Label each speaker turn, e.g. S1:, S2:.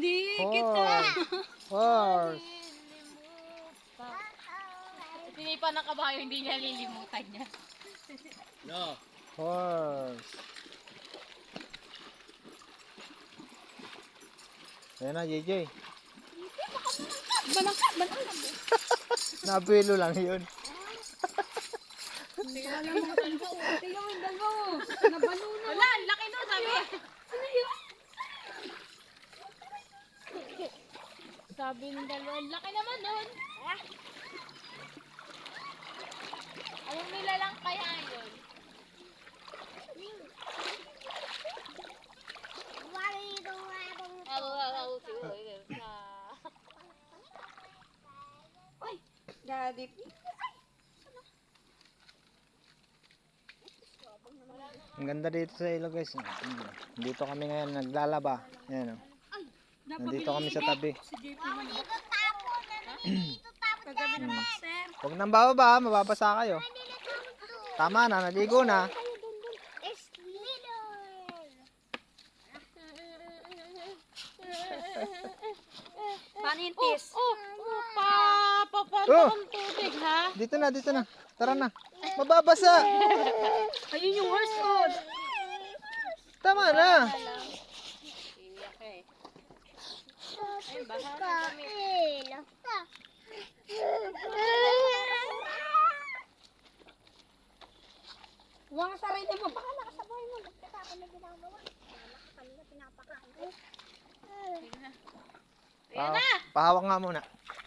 S1: Hindi kita.
S2: Horse.
S1: Hindi pa nakabayo, hindi niya lilimutan niya.
S3: No.
S2: Horse. Ayan na, JJ.
S1: Balangka.
S2: Nabilo lang yun.
S1: Tingnan mo yung dalawa. Nabaluno. Wala, laki nun, sabi. Sabi ng dalawa, laki naman nun. Anong nilalang kaya yun? Ay, daddy.
S2: Ang ganda dito sa ilo guys. Dito kami ngayon naglalaba. Ayan, oh. Nandito kami sa tabi.
S1: Kagabi ng boxer.
S2: Huwag nang bababa, mababasa kayo. Tama na, naligo na.
S1: Panintis.
S2: Oh!
S1: Ang tubig, ha?
S2: Dito na. Tara na. Mababasa.
S1: Ayun yung horse food.
S2: Tama na.
S1: Iyak eh. Ay, bahala kami. Huwag ka sarili mo. Bahala ka sa buhay mo. Magkita ako na ginagawa. Bahala ka kanina pinapakain ko. Ayan na.
S2: Pahawak nga muna.